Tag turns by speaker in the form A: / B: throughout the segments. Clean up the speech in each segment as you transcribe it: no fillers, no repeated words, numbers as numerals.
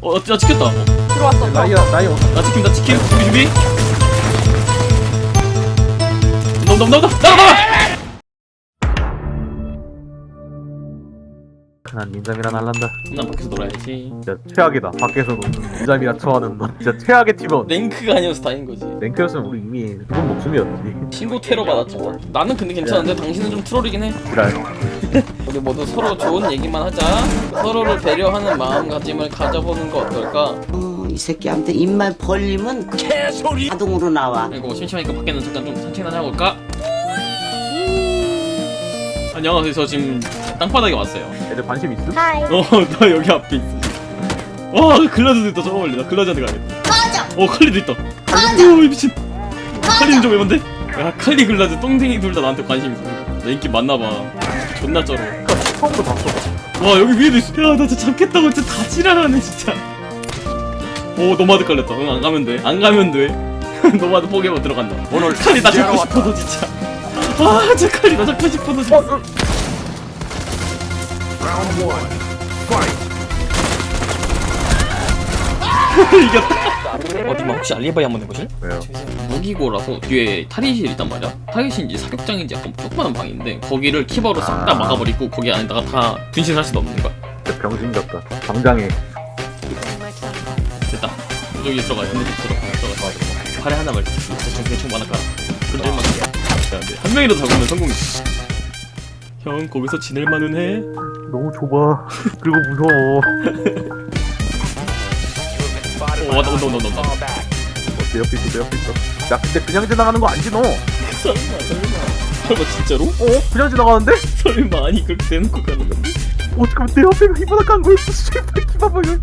A: 나 찍혔다.
B: 들어왔어.
C: 라이어
A: 나 찍힌다. 준비. 나가.
C: 난 닌자미라 날란다.
A: 난 밖에서 놀아야지.
C: 진짜 최악이다. 밖에서도 닌자미라 처하는 너. 진짜 최악의 팀원.
A: 랭크가 아니어서 다행인 거지.
C: 랭크였으면 우리 이미 죽은 목숨이었지.
A: 신고 테러 받았죠. 나는 근데 괜찮은데 당신은 좀 트롤이긴 해.
C: 그래.
A: 우리 모두 서로 좋은 얘기만 하자. 서로를 배려하는 마음가짐을 가져보는 거 어떨까?
D: 이 새끼한테 입만 벌리면 개소리 자동으로 나와.
A: 그리고 심심하니까 밖에는 잠깐 좀 산책이나 하고 올까? 안녕하세요. 저 지금 땅바닥에 왔어요.
C: 애들 관심 있음?
B: 하이.
A: 나 여기 앞에 있어. 와, 글라즈도 있다. 저거 멀리. 나 글라즈한테 가야겠다.
B: 맞아.
A: 칼리도 있다. 오, 미친. 칼리는 좀 애만데? 야, 칼리 글라즈 똥쟁이 둘 다 나한테 관심 있어. 나 인기 많나봐. 존나 쩔어.
C: 처음부터 봤어.
A: 와, 여기 위에도 있어. 야, 나 진짜 잡겠다고 진짜 다 지랄하네 진짜. 오, 노마드 깔렸다. 응, 안 가면 돼. 노마드 포기하고 들어간다. 오늘 칼리 나 잡고 싶어서 진짜. 아, 저 칼리 나 잡고 싶어서 진짜. 이겼다. 어디만 혹시 알리바이 한번 해보실?
C: 왜요?
A: 무기고라서 뒤에 탈의실 있단 말이야. 탈의실인지 사격장인지 약간 조그마한 방인데 거기를 키버로 싹 다 막아버리고 거기 안에다가 다 분신할 수도 없는 거야.
C: 진짜 병신 같다. 당장에.
A: 됐다. 여기 들어가. 근데 들어가. 팔에 하나만 대충 많아 깔아. 그럴만 해. 한 명이라도 잡으면 성공이지. 형 거기서 지낼만은 해?
C: 너무 좁아. 그리고 무서워.
A: 온다.
C: 내 옆에 있어. 야 근데 그냥 지나가는 거 아니지 너?
A: 설마 진짜로?
C: 그냥 지나가는데?
A: 설마 아니 그렇게 대놓고 가는 건데?
C: 잠깐만 내 옆에 히바나칸 거 있어. 씨발 기바바가.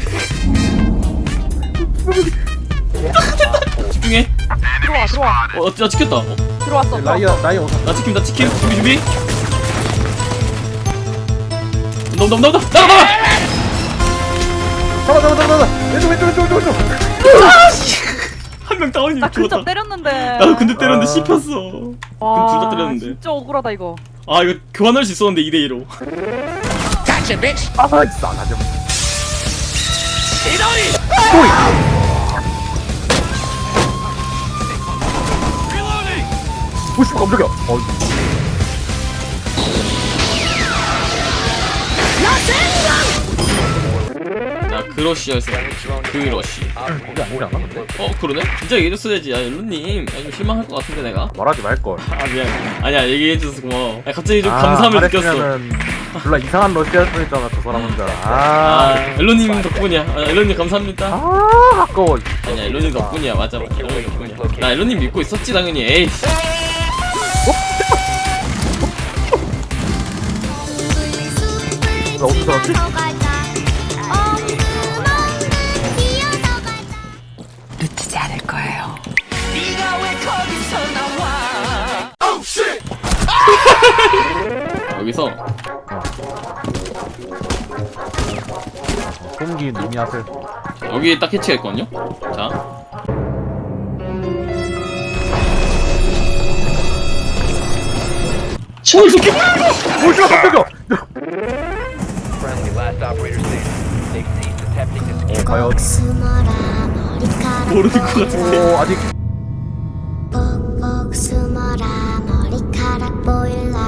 A: 집중해.
B: 들어와.
A: 나 찍혔다.
B: 들어왔어.
C: 라이어
A: 나 찍힌다. 준비. 나가.
C: 잡아. 왼쪽.
A: 한 명 다운이
B: 나 근접
A: 죽었다.
B: 때렸는데.
A: 나도 근데 때렸는데 씹혔어. 그럼 둘 다 때렸는데.
B: 진짜 억울하다 이거.
A: 아 이거 교환할 수 있었는데 2대2로.
C: 아 싸가지. 오씨 깜짝이야.
A: 나 그러시였어. 그러시.
C: 그게 아니지 않아 근데?
A: 그러네? 진짜 얘기해줬어야지. 야 옐로님 좀 실망할 것 같은데 내가.
C: 말하지 말걸.
A: 아 미안. 아니야 얘기해줘서 고마워. 갑자기 좀 감사함을 느꼈어.
C: 몰라 이상한 러시아 했잖아 저 사람 혼자.
A: 옐로님 덕분이야. 옐로님 감사합니다.
C: 아까워.
A: 아니야 옐로님 덕분이야. 맞아. 옐로님 덕분이야. 나 옐로님 믿고 있었지 당연히. 에이씨.
C: 나 어디서 왔지?
D: 놓치지 않을 거예요.
A: 여기서
C: 공기 미니아슬.
A: 여기 딱 해치가 있거든요. 자. 이 새끼!
C: 오씨야 깜짝이야. 과연
A: 모르는 것 같은데.
C: 아직
E: 꼭꼭 숨어라 머리카락 보일라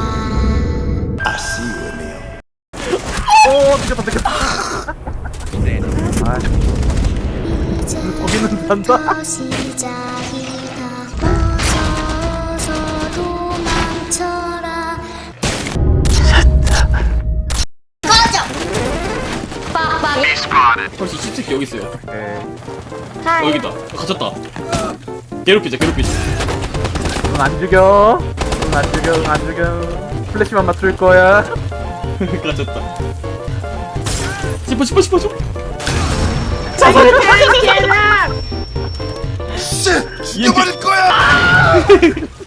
C: 늦었다.
E: 이제
C: 거기는 산다.
E: 시작이다 어서 도망쳐라
A: 벌써 10새끼 여기 있어요.
C: 에,
A: 여기다. 갇혔다. 괴롭히자.
C: 안 죽여. 안 죽여. 플래시만 맞출 거야.
A: 갇혔다. 씹어 줘. 자살했다.
F: 죽여버릴 거야!